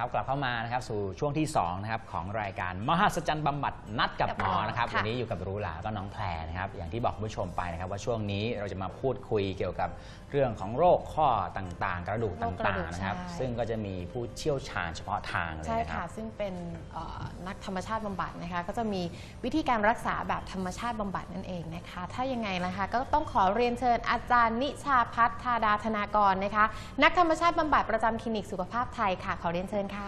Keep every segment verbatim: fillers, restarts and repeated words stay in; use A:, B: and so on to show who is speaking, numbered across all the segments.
A: นะครับกลับเข้ามานะครับสู่ช่วงที่สองนะครับของรายการมหัศจรรย์บำบัดนัดกับหมอนะครับวันนี้อยู่กับรู้หลาก็น้องแพรนะครับอย่างที่บอกผู้ชมไปนะครับว่าช่วงนี้เราจะมาพูดคุยเกี่ยวกับเรื่องของโรคข้อต่างๆกระดูกต่างๆนะครับซึ่งก็จะมีผู้เชี่ยวชาญเฉพาะทางเลยนะครับใช่ค่ะ
B: ซึ่งเป็นนักธรรมชาติบำบัดนะคะก็จะมีวิธีการรักษาแบบธรรมชาติบำบัดนั่นเองนะคะถ้ายังไงนะคะก็ต้องขอเรียนเชิญอาจารย์นิชาพัฒน์ธาดาธนากรนะคะนักธรรมชาติบำบัดประจำคลินิกสุขภาพไทยค่ะขอเรียนเชิญค่ะ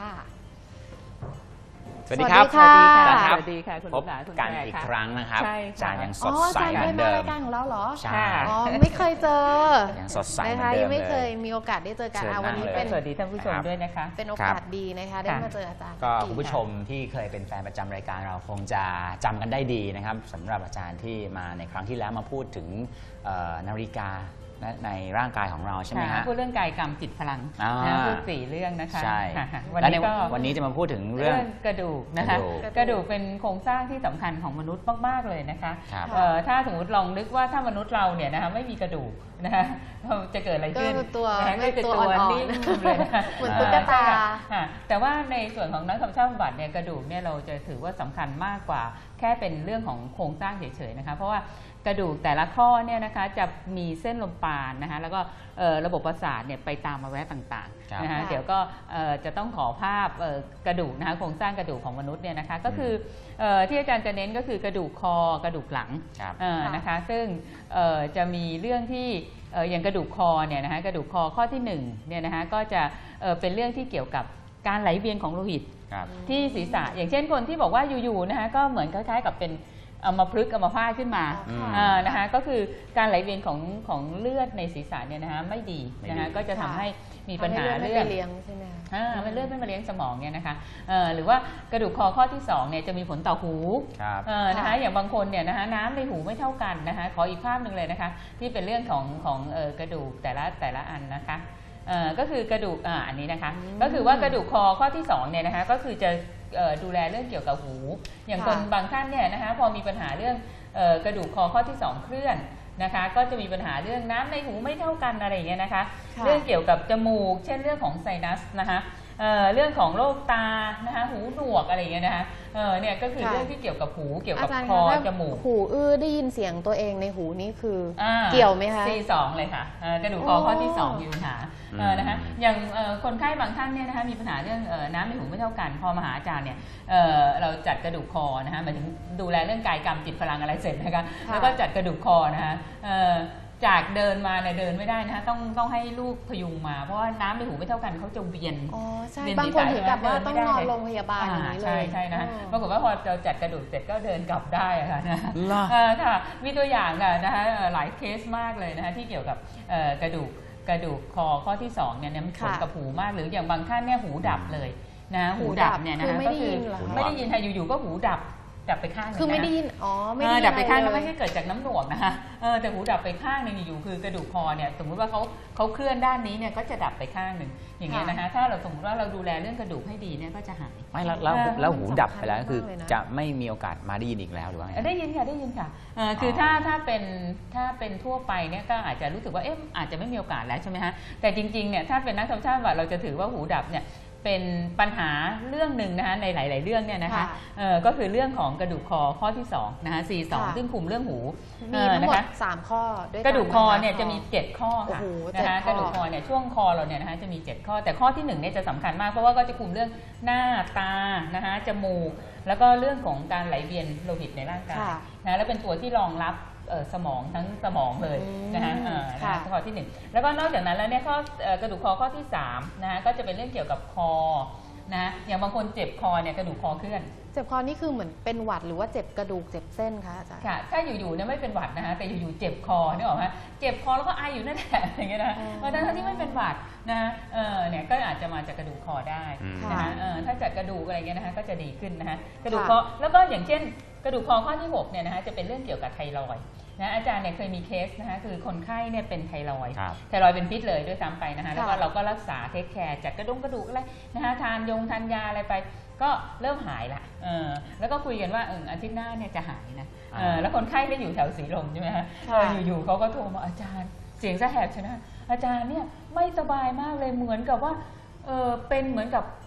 A: สวัสดีครับ
B: สวัสดีค่ะ
C: สวัสดีค่ะคุณ
A: พบกันอีกครั้งนะครับอาจารย์ยังสดใสเหมือนเดิม
B: รายการของเราเหรอ
A: ใช่
B: อ๋อไม่เคยเจอ
A: ยังสดใส
B: นะคะยังไม่เคยมีโอกาสได้เจอกันวันนี้เป็น
C: สวัสดีท่านผู้ชมด้วยนะคะ
B: เป็นโอกาสดีนะคะได้มาเจออาจารย์
A: ก็คุณผู้ชมที่เคยเป็นแฟนประจำรายการเราคงจะจำกันได้ดีนะครับสำหรับอาจารย์ที่มาในครั้งที่แล้วมาพูดถึงนาฬิกาในร่างกายของเราใช่ไหมฮะ
C: พูดเรื่องกายกรรมจิตพลังพูดสี่เรื่องนะคะ
A: ใช่
C: วันนี้ก็
A: วันนี้จะมาพูดถึงเรื่อง
C: กระดูกนะคะกระดูกเป็นโครงสร้างที่สำคัญของมนุษย์มากๆเลยนะคะถ้าสมมติลองนึกว่าถ้ามนุษย์เราเนี่ยนะคะไม่มีกระดูกนะคะจะเกิดอะไรขึ้น
B: ตัว
C: ไม่ตัวนิ่งเลย
B: เหมือนตุ๊กตา
C: แต่ว่าในส่วนของนักธรรมชาติบำบัดเนี่ยกระดูกเนี่ยเราจะถือว่าสำคัญมากกว่าแค่เป็นเรื่องของโครงสร้างเฉยๆนะคะเพราะว่ากระดูกแต่ละข้อเนี่ยนะคะจะมีเส้นลมปราณนะคะแล้วก็ระบบประสาทเนี่ยไปตามอวัยวะต่างๆนะคะเดี๋ยวก็จะต้องขอภาพกระดูกนะคะโครงสร้างกระดูกของมนุษย์เนี่ยนะคะก็คือที่อาจารย์จะเน้นก็คือกระดูกคอกระดูกหลังนะคะซึ่งจะมีเรื่องที่อย่างกระดูกคอเนี่ยนะคะกระดูกคอข้อที่หนึ่งเนี่ยนะคะก็จะเป็นเรื่องที่เกี่ยวกับการไหลเวียนของโลหิตที่ศีรษะอย่างเช่นคนที่บอกว่าอยู่ๆนะคะก็เหมือนคล้ายๆกับเป็นเอามาพลึกเอามาพาดขึ้นมานะคะก็คือการไหลเวียนของของเลือดในศีรษะเนี่ยนะคะไม่ดีนะคะก็จะทำให้มีปัญหาเลือด
B: เลี้ยงใช่ไหม
C: มันเลือดไม่มาเลี้ยงสมองเนี่ยนะคะหรือว่ากระดูกคอข้อที่สองเนี่ยจะมีผลต่อหูนะคะอย่างบางคนเนี่ยนะคะน้ำในหูไม่เท่ากันนะคะขออีกภาพหนึ่งเลยนะคะที่เป็นเรื่องของของกระดูกแต่ละแต่ละอันนะคะก็คือกระดูกอันนี้นะคะก็คือว่ากระดูกคอข้อที่สองเนี่ยนะคะก็คือจะดูแลเรื่องเกี่ยวกับหูอย่างคนบางท่านเนี่ยนะคะพอมีปัญหาเรื่องกระดูกคอข้อที่สองเคลื่อนนะคะก็จะมีปัญหาเรื่องน้ำในหูไม่เท่ากันอะไรอย่างเงี้ยนะคะเรื่องเกี่ยวกับจมูกเช่นเรื่องของไซนัสนะคะเเรื่องของโรคตานะคะหูหนวกอะไรอย่างเงี้ยนะคะเออเนี่ยก็คือเรื่องที่เกี่ยวกับหูเกี่ยวกับคอจมูก
B: หูอื้อได้ยินเสียงตัวเองในหูนี่คือเกี่ยวไหมคะ
C: ซีสองเลยค่ะกระดูกคอข้อที่สองมีปัญหานะคะอย่างคนไข้บางท่านเนี่ยนะคะมีปัญหาเรื่องน้ำในหูไม่เท่ากันพอมาหาอาจารย์เนี่ยเราจัดกระดูกคอนะคะหมายถึงดูแลเรื่องกายกรรมจิตพลังอะไรเสร็จนะคะแล้วก็จัดกระดูกคอนะคะจากเดินมาเนี่ยเดินไม่ได้นะคะต้องต้องให้ลูกพยุงมาเพราะว่าน้ำในหูไม่เท่ากันเขาจะเวียน
B: อ๋อใช่บางคนถึงกับว่าต้องนอนโรงพยาบาลอย่างนี้เลย
C: ใช่ใช่นะปรากฏว่าพอเราจัดกระดูกเสร็จก็เดินกลับได้ค่ะนะค่ะมีตัวอย่างนะคะหลายเคสมากเลยนะคะที่เกี่ยวกับกระดูกกระดูกคอข้อที่สองเนี่ยมีผลกับหูมากหรืออย่างบางท่านเนี่ยหูดับเลยนะหูดับเนี่ยนะคะก็คือไม่ได้ยินค่ะอยู่ๆก็หูดับดับไปข้างนึง
B: คือไม่ได้ยินอ๋อไม่ได้
C: ดับไปข้างแล้วไม่ใช่เกิดจากน้ำหนวกนะคะเออแต่หูดับไปข้างนึงอยู่คือกระดูกคอเนี่ยสมมติว่าเขาเขาเคลื่อนด้านนี้เนี่ยก็จะดับไปข้างหนึ่งอย่างเงี้ยนะคะถ้าเราสมมติว่าเราดูแลเรื่องกระดูกให้ดีเนี่ยก็จะหาย
A: ไม่แล้วแล้วแล้วหูดับไปแล้วคือจะไม่มีโอกาสมาได้ยินอีกแล้วหรือว่า
C: ได้ยินค่ะได้ยินค่ะคือถ้าถ้าเป็นถ้าเป็นทั่วไปเนี่ยก็อาจจะรู้สึกว่าเอ๊ะอาจจะไม่มีโอกาสแล้วใช่ไหมฮะแต่จริงๆเนี่ยถ้าเป็นนักธรรมชาติว่าเราจะถือว่าหูดับเนี่ยเป็นปัญหาเรื่องหนึ่งนะคะในหลายๆเรื่องเนี่ยนะคะก็คือเรื่องของกระดูกคอข้อที่สองนะคะซีสองซึ่งคุมเรื่องหู
B: มีทั้งหมดสามข้อด้วย
C: กระดูกคอเนี่ยจะมีเจ็ดข้อค่ะนะคะกระดูกคอเนี่ยช่วงคอเราเนี่ยนะคะจะมีเจ็ดข้อแต่ข้อที่หนึ่งเนี่ยจะสำคัญมากเพราะว่าก็จะคุมเรื่องหน้าตานะคะจมูกแล้วก็เรื่องของการไหลเวียนโลหิตในร่างกายนะแล้วเป็นตัวที่รองรับสมองทั้งสมองเลยนะคะข้อที่หนึ่งแล้วก็นอกจากนั้นแล้วเนี่ยข้อกระดูกคอข้อที่สามนะคะก็จะเป็นเรื่องเกี่ยวกับคอนะอย่างบางคนเจ็บคอเนี่ยกระดูกคอเคลื่อน
B: เจ็บคอนี่คือเหมือนเป็นหวัดหรือว่าเจ็บกระดูกเจ็บเส้นคะอาจารย์
C: ค่ะถ้าอยู่ๆเนี่ยไม่เป็นหวัดนะคะแต่อยู่ๆเจ็บคอนี่หรอคะเจ็บคอแล้วก็ไออยู่นั่นแหละอย่างเงี้ยนะเพราะฉะนั้นที่ไม่เป็นหวัดนะเออเนี่ยก็อาจจะมาจากกระดูกคอได้นะคะถ้าจากกระดูกอะไรเงี้ยนะคะก็จะดีขึ้นนะคะกระดูกคอแล้วก็อย่างเช่นกระดูกคอข้อที่หกเนี่ยนะคะจะเป็นเรื่องเกี่ยวกับไทรอยด์นะอาจารย์เนี่ยเคยมีเคสนะคะคือคนไข้เนี่ยเป็นไทรอยด์ไทรอยด์เป็นพิษเลยด้วยซ้ำไปนะคะแล้วก็เราก็รักษาเทคแคร์จัดกระดุมกระดูกอะไรนะคะทานยงทานยาอะไรไปก็เริ่มหายละเออแล้วก็คุยกันว่าเอออาทิตย์หน้าเนี่ยจะหายนะเออแล้วคนไข้ได้อยู่แถวสีลมใช่ไหมคะอยู่ๆเขาก็โทรมาอาจารย์เสียงสะแหบใช่ไหมอาจารย์เนี่ยไม่สบายมากเลยเหมือนกับว่าเออเป็นเหมือนกับตัก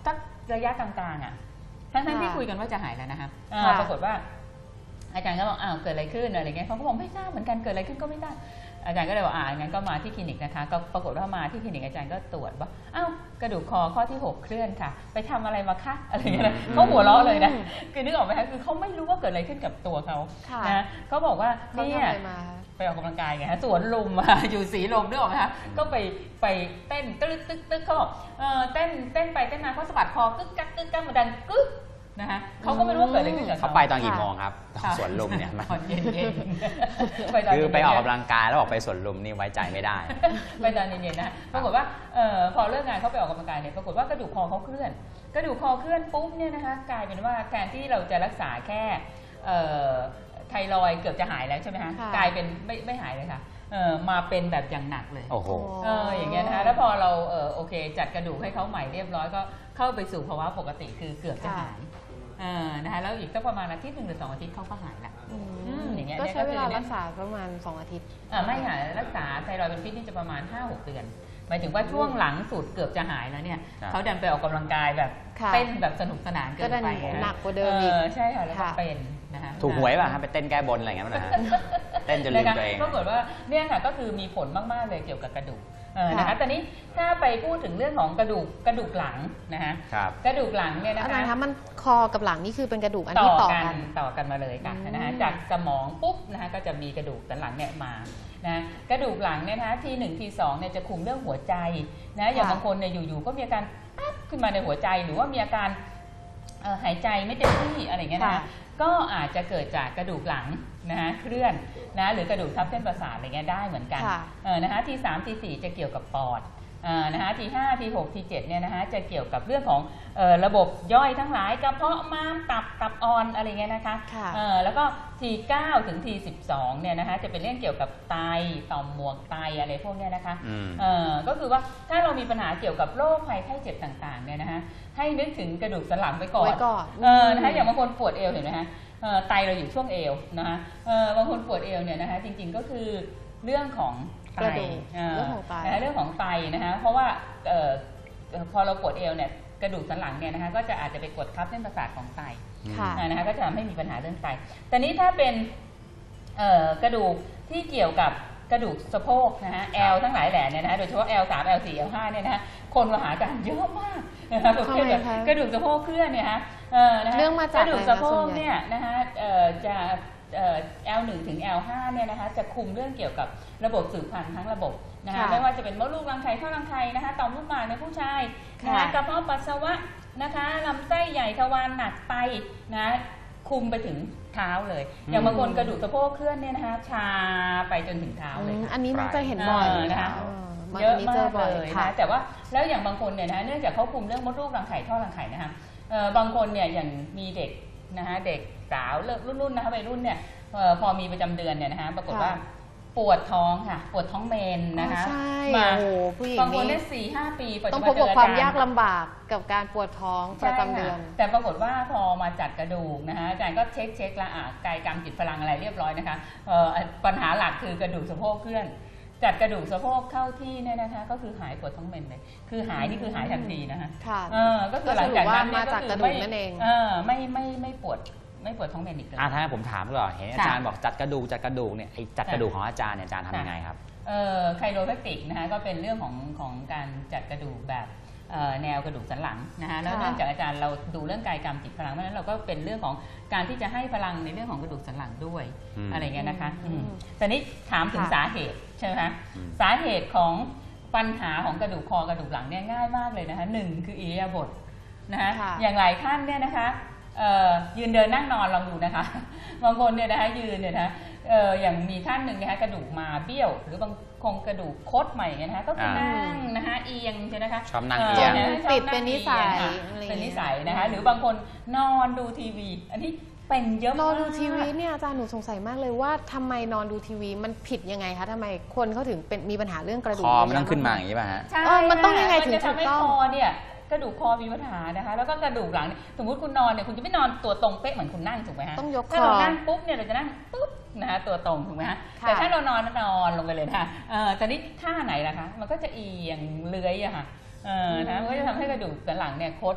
C: ระยะกลางๆอ่ะทั้งๆที่คุยกันว่าจะหายแล้วนะคะปรากฏว่าอาจารย์ก็บอกอ้าวเกิดอะไรขึ้นอะไรเงี้ยเขาก็บอกไม่ทราบเหมือนกันเกิดอะไรขึ้นก็ไม่ทราบอาจารย์ก็เลยบอกอ่างั้นก็มาที่คลินิกนะคะก็ปรากฏว่ามาที่คลินิกอาจารย์ก็ตรวจว่าอ้าวกระดูกคอข้อที่หกเคลื่อนค่ะไปทำอะไรมาคะอะไรเงี้ยเขาหัวเราะเลยนะคือนึกออกไหมคะคือเขาไม่รู้ว่าเกิดอะไรขึ้นกับตัวเขานะเขาบอกว่าเนี่ยไปออกกำลังกายไงฮะสวนลุมอยู่สีลมนึกออกไหมคะก็ไปไปเต้นตึ๊กตึ๊กตึ๊กเขาบอกเออเต้นเต้นไปเต้นมาเขาสะบัดคอกึกกักกึกกักมาดังกึ๊กนะคะเขาก็ไม่รู้ว่าเกิดอะไรขึ้นกับเขา
A: เขาไปตอนกี่โมงครับสวนลุมเนี่ย
C: ตอนเย็นๆ
A: คือไปออกกำลังกายแล้วบอกไปสวนลุมนี่ไว้ใจไม่ได้
C: ไปตอนเย็นๆนะปรากฏว่าพอเลิกงานเขาไปออกกำลังกายเนี่ยปรากฏว่ากระดูกคอเขาเคลื่อนกระดูกคอเคลื่อนปุ๊บเนี่ยนะคะกลายเป็นว่าแทนที่เราจะรักษาแค่ไทรอยด์เกือบจะหายแล้วใช่ไหมคะกลายเป็นไม่ไม่หายเลยค่ะมาเป็นแบบอย่างหนักเลย
A: โอ้โห
C: อย่างเงี้ยนะคะแล้วพอเราโอเคจัดกระดูกให้เขาใหม่เรียบร้อยก็เข้าไปสู่ภาวะปกติคือเกือบจะหายนะคะแล้วอีกสักประมาณอาทิตย์หนึ่งหรือสองอาทิตย์เขาก็หายละ
B: อย่างเงี้ยก็ใช้เวลารักษาประมาณสองอาทิตย์
C: ไม่หายรักษาไทรอยด์เป็นพิษนี่จะประมาณ ห้าหก เดือนหมายถึงว่าช่วงหลังสุดเกือบจะหายแล้วเนี่ยเขาดันไปออกกำลังกายแบบเต้นแบบสนุกสนานเกินไป
B: หนักกว่าเดิมอีก
C: ใช่ค่ะแล้วก็เป็นนะคะ
A: ถูกหวยป่ะฮะไปเต้นแก้บนอะไรอย่างเงี้ยนะเต้นจนลืมตัวเอง
C: ปรากฏว่าเนี่ยค่ะก็คือมีผลมากๆเลยเกี่ยวกับกระดูกนะคะตอนนี้ถ้าไปพูดถึงเรื่องของกระดูกกระดูกหลังนะคะกระดูกหลังเนี่ยนะคะ
B: อาจารย์คะมันคอกับหลังนี่คือเป็นกระดูกอันที่ต่อกัน
C: ต่อกันมาเลยค่ะนะคะจากสมองปุ๊บนะคะก็จะมีกระดูกสันหลังเนี่ยมานะกระดูกหลังเนี่ยนะคะทีหนึ่งทีสองเนี่ยจะคุมเรื่องหัวใจนะอย่างบางคนเนี่ยอยู่ๆก็มีอาการปั๊บขึ้นมาในหัวใจหรือว่ามีอาการหายใจไม่เต็มที่อะไรเงี้ยนะก็อาจจะเกิดจากกระดูกหลังนะเคลื่อนนะหรือกระดูกทับเส้นประสาทอะไรเงี้ยได้เหมือนกันนะคะทีสามทีสี่จะเกี่ยวกับปอดนะคะทีห้าทีหกทีเจ็ดเนี่ยนะคะจะเกี่ยวกับเรื่องของระบบย่อยทั้งหลายกระเพาะม้ามตับตับอ่อนอะไรเงี้ยนะคะแล้วก็ทีเก้าถึงทีสิบสองเนี่ยนะคะจะเป็นเรื่องเกี่ยวกับไตต่อมหมวกไตอะไรพวกเนี้ยนะคะก็คือว่าถ้าเรามีปัญหาเกี่ยวกับโรคภัยไข้เจ็บต่างๆเนี่ยนะคะให้นึกถึงกระดูกสันหลังไปก่อนนะคะอย่างบางคนปวดเอวเห็นไหมคะไตเราอยู่ช่วงเอวนะคะบางคนปวดเอวเนี่ยนะคะจริงๆก็คือเรื่องของไตเรื่องของไตเรื่องของไตนะคะเพราะว่าพอเราปวดเอวเนี่ยกระดูกสันหลังเนี่ยนะคะก็จะอาจจะไปกดทับเส้นประสาทของไตนะคะก็จะทำให้มีปัญหาเรื่องไตแต่นี้ถ้าเป็นกระดูกที่เกี่ยวกับกระดูกสะโพกนะฮะ L ทั้งหลายแหล่เนี่ยนะโดยเฉพาะ แอล สาม แอล สี่ แอล ห้าเนี่ยนะคนมาหาอาจารย์เยอะมากนะคะประเภทแบบกระดูกสะโพกเคลื่อนเนี่ยฮะ
B: เรื่องมาจาก
C: กระดูกสะโพกเนี่ยนะคะจะ แอล หนึ่ง ถึง แอล ห้าเนี่ยนะคะจะคุมเรื่องเกี่ยวกับระบบสืบพันธุ์ทั้งระบบนะคะไม่ว่าจะเป็นมดลูกรังไข่ท่อรังไข่นะคะต่อมลูกหมากในผู้ชายนะคะกระเพาะปัสสาวะนะคะลำไส้ใหญ่ทวารหนักไตนะคุมไปถึงเท้าเลยอย่างบางคนกระดูกสะโพกเคลื่อนเนี่ยนะคะชาไปจนถึงเท้าเลย
B: อันนี้มันจะเห็นบ่อย
C: นะคะเยอะมากเลยนะแต่ว่าแล้วอย่างบางคนเนี่ยนะเนื่องจากเขาคุมเรื่องมดลูกรังไข่ท่อรังไข่นะคะบางคนเนี่ยอย่างมีเด็กนะคะเด็กสาวรุ่นๆนะคะวัยรุ่นเนี่ยพอมีประจำเดือนเนี่ยนะคะปรากฏว่าปวดท้องค่ะปวดท้องเมนนะคะ
B: มา
C: บางคนได้สี่ห้าปี
B: ต้องพบกับความยากลำบากกับการปวดท้องประจำเดือน
C: แต่ปรากฏว่าพอมาจัดกระดูกนะคะอาจารย์ก็เช็คเช็คละอ่ะกายกรรมจิตพลังอะไรเรียบร้อยนะคะปัญหาหลักคือกระดูกสะโพกเคลื่อนจัดกระดูกสะโพกเข้าที่เนี่ยนะคะก็คือหายปวดท้องเมนเลยคือหายนี่คือหายทันทีนะคะก็คือหลังจากนั้น
B: มาจากกระดูกนั่นเอง
C: ไม่ไม่ไม่ปวดไม่ปวดท้องเมนอีกเลย
A: อ่ะถ้าผมถามก่อนเห็นอาจารย์บอกจัดกระดูกจัดกระดูกเนี่ยไอ้จัดกระดูกของอาจารย์เนี่ยอาจารย์ทำยังไงครับ
C: เอ่อไคโรแพคติกนะคะก็เป็นเรื่องของของการจัดกระดูกแบบแนวกระดูกสันหลังนะคะแล้วเนื่องจากอาจารย์เราดูเรื่องกายกรรมจิตพลังเพราะฉะนั้นเราก็เป็นเรื่องของการที่จะให้พลังในเรื่องของกระดูกสันหลังด้วยอะไรเงี้ยนะคะแต่นี้ถามถึงสาเหตุใช่ไหมคะสาเหตุของปัญหาของกระดูกคอกระดูกหลังเนี่ยง่ายมากเลยนะคะหนึ่งคืออิริยาบถนะคะอย่างหลายท่านเนี่ยนะคะยืนเดินนั่งนอนลองดูนะคะบางคนเนี่ยนะคะยืนเนี่ยนะอย่างมีท่านหนึ่งนะคะกระดูกมาเบี้ยวหรือบางคงกระดูกคดใหม่นะคะก็คือนั่งนะคะเอียงใช่ไหมคะ
A: ชอบนั่งเอียง
B: ติดเป็นนิสัย
C: เป็นนิสัยนะคะหรือบางคนนอนดูทีวีอันนี้เป็นเยอะมาก
B: นอนดูทีวีเนี่ยอาจารย์หนูสงสัยมากเลยว่าทำไมนอนดูทีวีมันผิดยังไงคะทำไมคนเขาถึงเป็นมีปัญหาเรื่องกระดูก
A: คอมันต้องขึ้นมาอย่างนี้ป่ะฮะ
C: ใช่
B: มันต้องยังไงถึงถูกต้อง
C: คอเนี่ยกระดูกคอมีปัญหานะคะแล้วก็กระดูกหลังสมมุติคุณนอนเนี่ยคุณจะไม่นอนตัวตรงเป๊ะเหมือนคุณนั่งถูกไหมฮะ
B: ต้องยกคอ
C: ถ้าเรานั่งปุ๊บเนี่ยเราจะนั่งปุ๊บนะคะตัวตรงถูกไหมฮะแต่ถ้าเรานอนนอนลงไปเลยนะคะแต่นี่ท่าไหนล่ะคะมันก็จะเอียงเลื้อยอะค่ะนะมันก็จะทำให้กระดูกสันหลังเนี่ยคด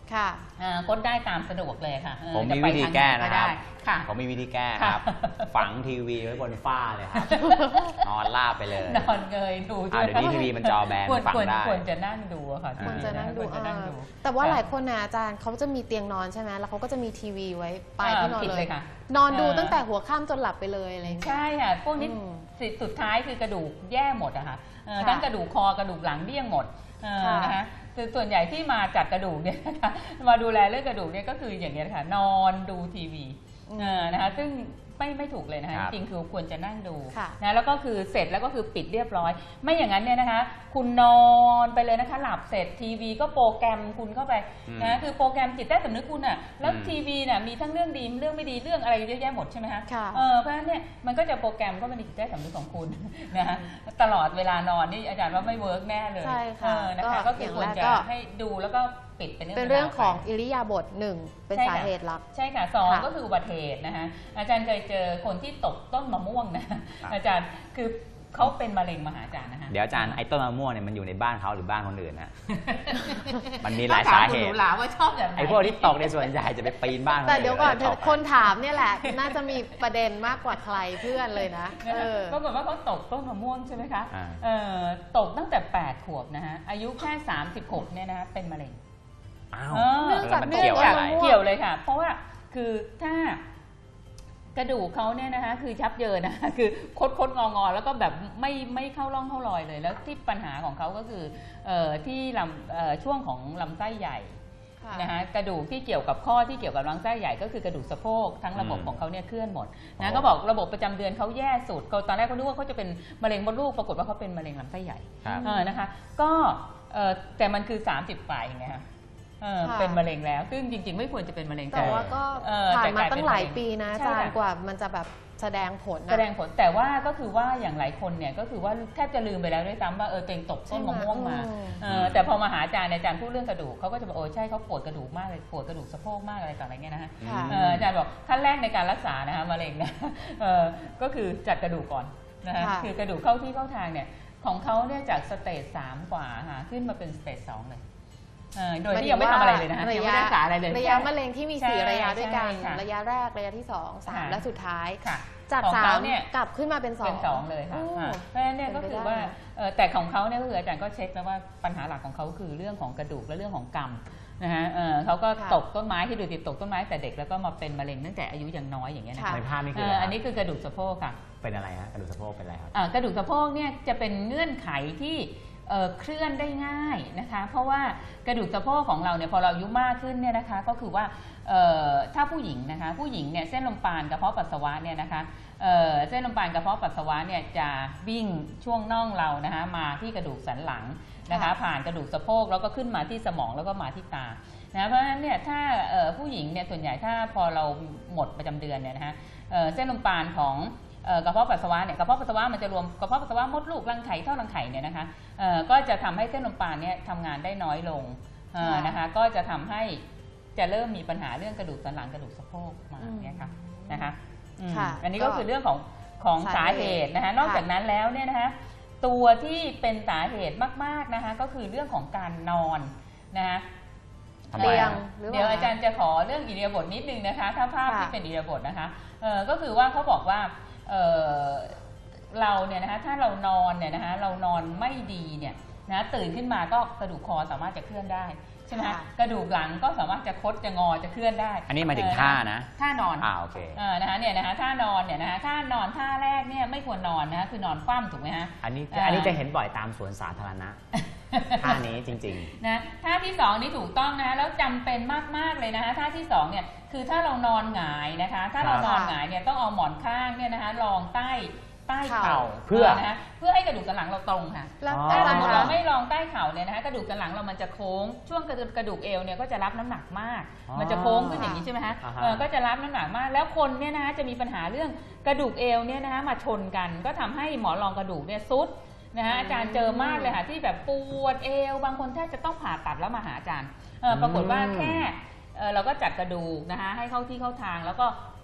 B: ค่ะ
C: อ่าคดได้ตามสะดวกเลยค่ะเออ
A: ผมมี
C: จะไป
A: วิธี
C: ทาง
A: แก้
C: ไห
A: นะครับ
C: ได้ค่ะ
A: ผมมีวิธีแก้ครับ ฝังทีวีไว้บนฝ้าเลยครับ นอนราบไปเลย
C: นอนเงยดู
A: อ่าเดี๋ยวนี้ทีวีมันจอแบน
C: ควร
A: ฝัง
C: ควร
A: ได้
C: ควรจะนั่งดูอะค่ะ
A: อ่า
B: ควรจะนั่งดู
C: ควรจะนั่งดู
B: เออแต่ว่า
C: ค่ะ
B: หลายคนนะอาจารย์เขาจะมีเตียงนอนใช่ไหมแล้วเขาก็จะมีทีวีไว้ปลายที่นอน
C: ผิด
B: เล
C: เลย ยค่ะ
B: นอนดู
C: เออ
B: ตั้งแต่หัวค่ำจนหลับไปเลยอะไรอย่างเงี้ย
C: ใช่ค่ะ พวกนี้
B: อืม
C: สิสุดท้ายคือกระดูกแย่หมดอะค่ะเออ
B: ค่ะ
C: ทั้งกระดูกคอกระดูกหลังเดี้ยงหมดเออ
B: ค่ะ
C: นะคะคือส่วนใหญ่ที่มาจัดกระดูกเนี่ยนะคะมาดูแลเรื่องกระดูกเนี่ยก็คืออย่างนี้ยค่ะนอนดูทีวีเออนะคะซึ่งไม่ไม่ถูกเลยนะคะ
A: ครับ
C: จริงๆคือควรจะนั่งดู
B: ค่ะ
C: นะแล้วก็คือเสร็จแล้วก็คือปิดเรียบร้อย ไม่อย่างนั้นเนี่ยนะคะ คุณนอนไปเลยนะคะหลับเสร็จทีวีก็โปรแกรมคุณเข้าไป
A: อืม
C: นะคือโปรแกรมจิตใต้สำนึกคุณอ่ะแล้ว
A: อืม
C: ทีวีน่ะมีทั้งเรื่องดีเรื่องไม่ดีเรื่องอะไรเยอะแยะหมดใช่ไหมคะ
B: ค่ะ
C: เออเพราะฉะนั้นเนี่ยมันก็จะโปรแกรมเข้าไปในจิตใต้สำนึกของคุณ นะฮะตลอดเวลานอนนี่อาจารย์ว่าไม่เวิร์กแน่เลย
B: ใช่ค่ะ
C: เออนะคะ
B: ก็
C: ก็คือควร
B: อย่างแรก
C: จะ
B: ก็
C: ให้ดูแล้วก็ปิดเป็นเรื่อง
B: เป็นเรื่องของ
C: ไป
B: อิริยาบถหนึ่งเป็น
C: ใช่
B: สา
C: ค่ะ
B: เหตุหลัก
C: ใช่ค่ะสอง
B: ค่ะ
C: ก็คืออุบัติเหตุนะคะอาจารย์เคยเจอคนที่ตกต้นมะม่วงนะ
A: ครับ
C: อาจารย์คือเขาเป็นมะเร็งมาหาอาจารย์นะคะ
A: เดี๋ยวอาจารย์ไอ้ต้นมะม่วงเนี่ยมันอยู่ในบ้านเขาหรือบ้านคนอื่นนะ มันมีหลายสาเห
C: ต้
A: ตุ
C: องถมคุณหนูหลาว่าชอบแบบไหน
A: ไอ้พวกที่ตกในส่วนใหญ่จะไปปีนบ้านคน
B: แต่
A: อื่น
B: เดี๋ยวก่อน
A: แล้วตก
B: คนถามเนี่ยแหละ น่าจะมีประเด็นมากกว่าใครเพื่อนเลยนะ
C: นะ
B: เอ
C: คะ
B: อ
C: ปรากฏว่าเขาตกต้นมะม่วงใช่ไหมคะ
A: อ่า
C: เอ่อตกตั้งแต่แปดขวบนะฮะอายุแค่สามสิบหกเนี่ยนะคะเป็นมะเร็ง
A: อ้าว
C: เออ
B: เนื่องจาก
A: แล้วมัน
B: เนื่อง
A: เกี่ยว
B: จาก
A: อะไร
B: มะม่วง
C: เกี่ยวเลยค่ะ เพราะว่าคือถ้ากระดูกเขาเนี่ยนะคะคือชับเยินนะคะ คือคดคดงองอแล้วก็แบบไม่ไม่เข้าร่องเข้ารอยเลย แล้วที่ปัญหาของเขาก็คือเอ่อที่ลำเอ่อช่วงของลำไส้ใหญ่
B: ค่ะ
C: นะคะกระดูกที่เกี่ยวกับข้อที่เกี่ยวกับลำไส้ใหญ่ก็คือกระดูกสะโพกทั้งระบบ
A: อืม
C: ของเขาเนี่ยเคลื่อนหมด
A: อ๋
C: นะ
A: อ
C: ก็บอกระบบประจำเดือนเขาแย่สุดเขาตอนแรกเขาคิดว่าเขาจะเป็นมะเร็งมดลูกปรากฏว่าเขาเป็นมะเร็งลำไส้ใหญ่
A: ครับ
C: เออนะคะก็เอ่อแต่มันคือสามสิบปลายไงคะเออ
B: ค่ะ
C: เป็นมะเร็งแล้ว ซึ่งจริงๆ ไม่ควรจะเป็นมะเร็ง
B: แต่ว่าก็
C: เออ
B: ผ่านมา
C: แต่กลายเป็น
B: ตั้งหลาย
C: มะเร็ง
B: ปีนะอา
C: ใช่
B: จารย์
C: ค่ะ
B: กว่ามันจะแบบแสดงผลนะ
C: แสดงผลแต่ว่าก็คือว่าอย่างหลายคนเนี่ยก็คือว่าแทบจะลืมไปแล้วด้วยซ้ำว่าเออตัวเองตกต้นมะม่วงมา
B: ใช่ไหม
C: เออแต่พอมาหาอาจารย์อาจารย์พูดเรื่องกระดูกเขาก็จะบอกโอ้ใช่เขาปวดกระดูกมากเลยปวดกระดูกสะโพกมากอะไรต่างๆอะไรเงี้ยนะฮะ
B: ค่ะ
C: เอออาจารย์บอกขั้นแรกในการรักษานะคะมะเร็งเนี่ยเออก็คือจัดกระดูกก่อนนะฮะ
B: ค่ะ
C: คือกระดูกเข้าที่เข้าทางเนี่ยของเขาเนี่ยจากสเตจสามกว่าค่ะขึ้นมาเป็นสเตจสองเลยเออโดยที่ยังไม่ทำอะไรเลยนะฮะ
B: ระ
C: ยัง
B: ยะ
C: ไม่ได้รักษาอะไรเลย
B: ระยะมะเร็งที่มีสี่
C: ใช่
B: ระยะด้วยกัน
C: ใช่ค่ะ
B: ระยะแรกระยะที่สองสาม
C: ค่ะ
B: และสุดท้าย
C: ค่ะ
B: จาก
C: ของ
B: สา
C: เขา
B: ม
C: เนี่ย
B: กลับขึ้นมาเป็นสอง
C: เป็นสองเลยค่ะ
B: โอ้
C: อ่าเพราะฉะนั้นเนี่ยก็
B: เป็น
C: คื
B: ไป
C: อ
B: ได้
C: ว่าเอ่อแต่ของเขาเนี่ยก็คืออาจารย์ก็เช็คแล้วว่าปัญหาหลักของเขาคือเรื่องของกระดูกและเรื่องของกรรมนะฮะเอ่อเขาก็
B: ค่ะ
C: ตกต้นไม้ที่ดูติดตกต้นไม้แต่เด็กแล้วก็มาเป็นมะเร็งตั้งแต่อายุยังน้อยอย่างเงี้ยนะ
B: ค่ะ
A: ในภาพนี่คือ
C: เอ่
A: อะไร
C: อ
A: ครับ
C: อันนี้คือกระดูกสะโพกค่ะ
A: เป็นอะไรฮะกระดูกสะโพกเป็นอะไรครับ
C: อ่ากระดูกสะโพกเนี่ยจะเป็นเงื่อนไขที่เอ่อเคลื่อนได้ง่ายนะคะ เพราะว่ากระดูกสะโพกของเราเนี่ยพอเราอายุมากขึ้นเนี่ยนะคะก็คือว่าเอ่อถ้าผู้หญิงนะคะผู้หญิงเนี่ยเส้นลมปานกระเพาะปัสสาวะเนี่ยนะคะเอ่อเส้นลมปานกระเพาะปัสสาวะเนี่ยจะวิ่งช่วงน่องเรานะคะมาที่กระดูกสันหลังนะคะ
B: ค่ะ
C: ผ่านกระดูกสะโพกแล้วก็ขึ้นมาที่สมองแล้วก็มาที่ตานะเพราะฉะนั้นเนี่ยถ้าเอ่อผู้หญิงเนี่ยส่วนใหญ่ถ้าพอเราหมดประจำเดือนเนี่ยนะคะเอ่อเส้นลมปานของเอ่อกระเพาะปัสสาวะเนี่ยกระเพาะปัสสาวะมันจะรวมกระเพาะปัสสาวะมดลูกรังไข่ท่อรังไข่เนี่ยนะคะเอ่อก็จะทำให้เส้นลมปานเนี่ยทำงานได้น้อยลงเอ่อ
B: ค่ะ
C: นะคะก็จะทำให้จะเริ่มมีปัญหาเรื่องกระดูกสันหลังกระดูกสะโพกมา
B: อืม
C: เนี่ยค่ะนะคะอืม
B: ค่ะ
C: อันนี้ก็
B: ก็
C: คือเรื่องของของสา
B: สา
C: เห
B: เหตุ
C: ตุนะคะนอก
B: ค่ะ
C: จากนั้นแล้วเนี่ยนะคะตัวที่เป็นสาเหตุมากๆนะคะก็คือเรื่องของการนอนนะคะ
A: ทำไม
B: เตียง
A: อะ
B: หรือ
C: เดี๋ยว
B: ว่า
C: อาจารย์จะขอเรื่องอิริยาบถนิดนึงนะคะ ถ้าภาพ
B: ค่ะ
C: ที่เป็นอิริยาบถนะคะเออก็คือว่าเขาบอกว่าเออเราเนี่ยนะคะถ้าเรานอนเนี่ยนะคะเรานอนไม่ดีเนี่ยนะตื่นขึ้นมาก็กระดูกคอสามารถจะเคลื่อนได้ใช่ไหมคะ
B: ค่ะ
C: กระดูกหลังก็สามารถจะคดจะงอจะเคลื่อนได้
A: อันนี้หมายถึง
C: เออ
A: ท่านะ
C: ท่านอน
A: อ่าโอเค
C: เออนะคะเนี่ยนะคะท่านอนเนี่ยนะคะท่านอนท่าแรกเนี่ยไม่ควรนอนนะคะคือนอนคว่ำถูกไหมฮะ
A: อันนี้
C: อ่า
A: อันนี้จะเห็นบ่อยตามสวนสาธารณะ ท่านี้จริง
C: นะท่าที่สองนี่ถูกต้องนะแล้วจำเป็นมากๆเลยนะคะท่าที่สองเนี่ยคือถ้าเรานอนหงายนะคะ ถ้าเรา
A: ครับ
C: นอนหงายเนี่ยต้องเอาหมอนข้างเนี่ยนะคะรองใต้ใต้เข่า
A: เพื่อ
C: นะคะเพื่อให้กระดูกสันหลังเราตรงค่ะ
B: แล้ว
A: อ๋อ
C: ถ้า
B: อา
C: ส
B: จาม ร
C: ม
B: ย์
C: ติ
B: คะ
C: เราไม่รองใต้เข่าเนี่ยนะคะกระดูกสันหลังเรามันจะโค้งช่วงกระดูกกระดูกเอวเนี่ยก็จะรับน้ำหนักมาก
A: อ๋อ
C: มันจะโค้งขึ้นอย่างนี้ใช่ไหมฮะ
A: อ่าฮะ
C: เออก็จะรับน้ำหนักมาก แล้วคนเนี่ยนะคะจะมีปัญหาเรื่องกระดูกเอวเนี่ยนะคะมาชนกัน ก็ทำให้หมอนรองกระดูกเนี่ยซุดนะฮะอาจารย์เจอมากเลยค่ะที่แบบปวดเอวบางคนแทบจะต้องผ่าตัดแล้วมาหาอาจารย์เออปรากฏว่าแค่เออเราก็จัดกระดูกนะคะให้เข้าที่เข้าทางแล้วก็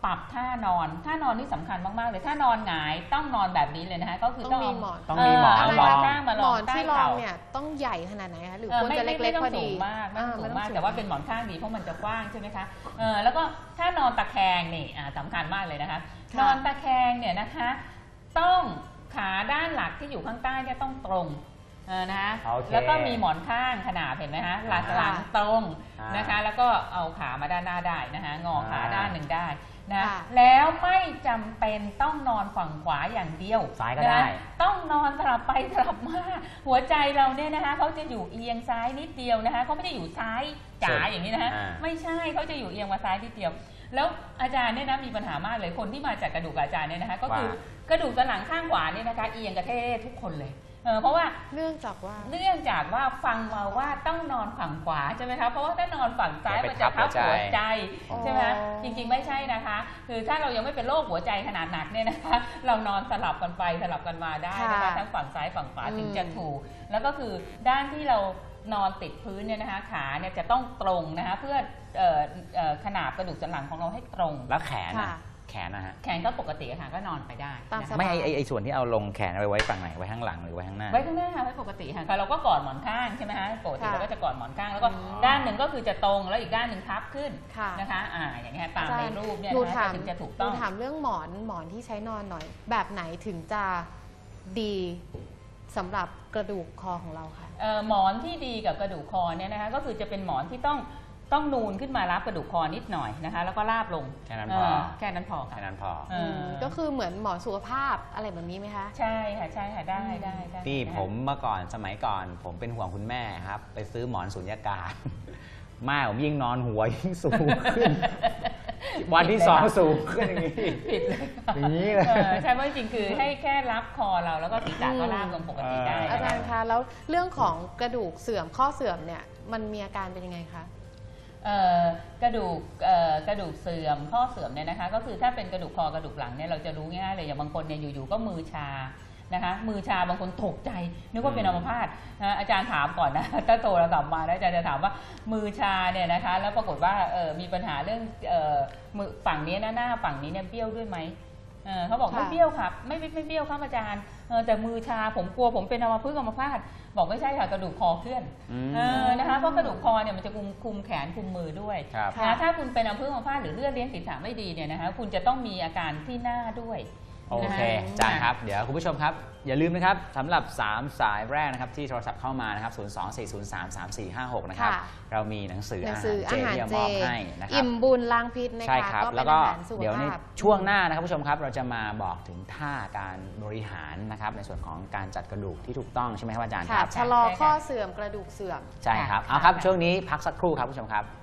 C: ปรับท่านอนท่านอนนี่สำคัญมากๆเลยถ้านอนหงายต้องนอนแบบนี้เลยนะคะก็คือ
B: ต้องมี
C: เา
B: หมอน
A: ต้องมีหมอน
C: เ
A: รอง
C: ข้างมา
B: ห
C: ร
B: ม
C: อ
B: อง น
C: ใต้
B: ที่รอง
C: เข่า
B: เนี่ยต้องใหญ่ขนาดไหนคะหรือ
C: เออ
B: ควร
C: ไม่
B: จะ
C: ไม่
B: เล็ก
C: ไม่
B: ๆ
C: ต้
B: พ
C: อ
B: อง
C: สู
B: ดี
C: งมากไม่ต้องสูงมาก
B: อ่
C: แต่ว่าเป็นหมอนข้างดีเพราะมันจะกว้างใช่ไหมคะเออแล้วก็ถ้านอนตะแคงนี่อ่าสำคัญมากเลยนะคะ
B: ค่ะ
C: นอนตะแคงเนี่ยนะคะต้องขาด้านหลักที่อยู่ข้างใต้เนี่ยต้องตรงเออนะคะ
A: โอเค
C: แล้วก็มีหมอนข้างขนาบเห็นไหมคะหลังหลังตรง
A: อ่าน
C: นะคะแล้วก็เอาขามาด้านหน้าได้นะคะงอขา
A: อ่า
C: ด้านหนึ่งได้นะ
B: ค่ะ
C: แล้วไม่จำเป็นต้องนอนฝั่งขวาอย่างเดียว
A: ซ้ายก็ได้
C: นะต้องนอนสลับไปสลับมาหัวใจเราเนี่ยนะคะเขาจะอยู่เอียงซ้ายนิดเดียวนะคะเขาไม่ได้อยู่ซ้ายจ๋าอย่างนี้นะคะ
A: อ่า
C: ไม่ใช่เขาจะอยู่เอียงมาซ้ายนิดเดียว แล้วอาจารย์เนี่ยนะมีปัญหามากเลยคนที่มาจากกระดูกกับอาจารย์เนี่ยนะคะก็คือ
A: ว่า
C: กระดูกสันหลังข้างขวาเนี่ยนะคะเอียงกระเททุกคนเลยเออเพราะว่า
B: เนื่องจากว่า
C: เนื่องจากว่าฟังมาว่าต้องนอนฝั่งขวาใช่ไหมคะเพราะว่าถ้านอนฝั่งซ้าย
A: เดี๋ยว
C: มัน
A: ไป
C: จะ
A: ทั
C: ทั
A: บบ หั
C: หั
A: ว
C: ว
A: ใจ
C: ใจใช่ไหม
B: อ๋อ
C: จริงๆไม่ใช่นะคะ คือถ้าเรายังไม่เป็นโรคหัวใจขนาดหนักเนี่ยนะคะ เรานอนสลับกันไปสลับกันมาได้นะคะ
B: ค่ะ
C: ทั้งฝั่งซ้ายฝั่งขวา
B: อืม
C: ถึงจะถูก แล้วก็คือด้านที่เรานอนติดพื้นเนี่ยนะคะขาเนี่ยจะต้องตรงนะคะเพื่อเอ่อเอ่อขนาบกระดูกสันหลังของเราให้ตรง
A: แล้วแขนนะ
B: ค่ะ
A: แขนนะฮะ
C: แขนก็ปกติค่ะก็นอนไปได้
B: ตาม
C: นะ
B: ส
C: คะ
B: บาย
A: ไม่ไอไอ้ไอส่วนที่เอาลงแขนเอาไว้ฝั่งไหนไว้ข้างหลังหรือไว้ข้างหน้า
C: ไว้ข้างหน้าไว้ปกติค่ะเราก็กอดหมอนข้างใช่ไหมคะปกติ
B: ค่ะ
C: เราก็จะกอดหมอนข้างแล้วก็
B: อืม
C: ด้านหนึ่งก็คือจะตรงแล้วอีกด้านหนึ่งทับขึ้น
B: ค่ะ
C: นะคะอ่าอย่างเงี้ยตามในรูปเนี่ย
B: หนู
C: นะคะ
B: ถาม
C: ถึงจะถูก
B: ห
C: ต้
B: นู
C: อง
B: ถามเรื่องหมอนหมอนที่ใช้นอนหน่อย แบบไหนถึงจะดีสำหรับกระดูกคอของเราค่ะ
C: เอ่อหมอนที่ดีกับกระดูกคอเนี่ยนะคะก็คือจะเป็นหมอนที่ต้องต้องนูนขึ้นมารับกระดูกคอนิดหน่อยนะคะแล้วก็ราบลง
A: แค่นั้นพอ
C: เแค่นั้นพอค่ะ
A: แค่นั้นพอ
C: เออ
B: ก็คือเหมือนหมอนสุขภาพอะไรแบบนี้ไหมคะ
C: ใช่ค่ะใช่ค่ะได้ได้ได้
A: นี่
C: นะคะ
A: ผมเมื่อก่อนสมัยก่อน ผมเป็นห่วงคุณแม่ครับ ไปซื้อหมอนสุญญากาศ แม่ผมยิ่งนอนหัวยิ่งสูงขึ้น วันที่สองสูงขึ้นอย่างนี้
C: ผิดเลยค่ะ
A: อย่างนี้เลย
C: เออใช่เพราะจริงๆคือให้แค่รับคอเราแล้วก็ศีรษะก็ราบลงปกติได้
A: เอ
B: อา
C: นะ
B: จาร
C: คะ
B: ย์คะแล้วเรื่องของกระดูกเสื่อมข้อเสื่อมเนี่ยมันมีอาการเป็นยังไงคะ
C: เอ่อกระดูกเอ่อกระดูกเสื่อมข้อเสื่อมเนี่ยนะคะก็คือถ้าเป็นกระดูกคอกระดูกหลังเนี่ยเราจะรู้ง่ายเลยอย่างบางคนเนี่ยอยู่ๆก็มือชานะคะมือชาบางคนตกใจนึกว่าเป็นอัมพาตนะอาจารย์ถามก่อนนะ ถ้าโทรศัพท์มาแล้วอาจารย์จะถามว่ามือชาเนี่ยนะคะแล้วปรากฏว่าเออมีปัญหาเรื่องเออมือฝั่งนี้นะหน้าฝั่งนี้เนี่ยเบี้ยวด้วยไหมเออเขาบอก
B: ค่ะ
C: ไม่เบี้ยวครับไม่ไม่ไม่เบี้ยวครับอาจารย์เออแต่มือชาผมกลัวผมเป็นอัมพฤกษ์อัมพาตบอกไม่ใช่ค่ะกระดูกคอเคลื่อน
A: อืม
C: เออนะคะเพราะกระดูกคอเนี่ยมันจะคุมคุมแขนคุมมือด้วย
A: ครับ
B: ค่ะ
C: นะถ้าคุณเป็นอัมพฤกษ์อัมพาตหรือเลือดเลี้ยงศีรษะไม่ดีเนี่ยนะคะคุณจะต้องมีอาการที่หน้าด้วย
A: โอเคอาจารย์ครับ เดี๋ยวคุณผู้ชมครับ อย่าลืมนะครับสำหรับ สาม สายแรกนะครับที่โทรศัพท์เข้ามานะครับ ศูนย์ สอง สี่ ศูนย์ สาม สาม สี่ ห้า หก นะครับ
B: ค่ะ
A: เรามีหนังสือ
B: หนั
A: อาง
B: สือ
A: หารเจ
B: อาหาร
A: ที่จะ
B: เจ
A: มอบให้นะครับ
B: อิ่มบุญล้างพิษนะคะ
A: ใช่ครับ
B: ก็เป็
A: แล้ว
B: น
A: ก็
B: อาหารสุข
A: เดี๋ยวใน
B: ภาพ
A: ช่วงหน้านะครับผู้ชมครับ เราจะมาบอกถึงท่าการบริหารนะครับในส่วนของการจัดกระดูกที่ถูกต้องใช่ไหมครับอาจารย์ค
B: ค่ะ
A: รับ
B: ชะลอข้อเสื่อมกระดูกเสื่อม
A: ใช่ครับ เอาครับ ช่วงนี้พักสักครู่ครับผู้ชมครับ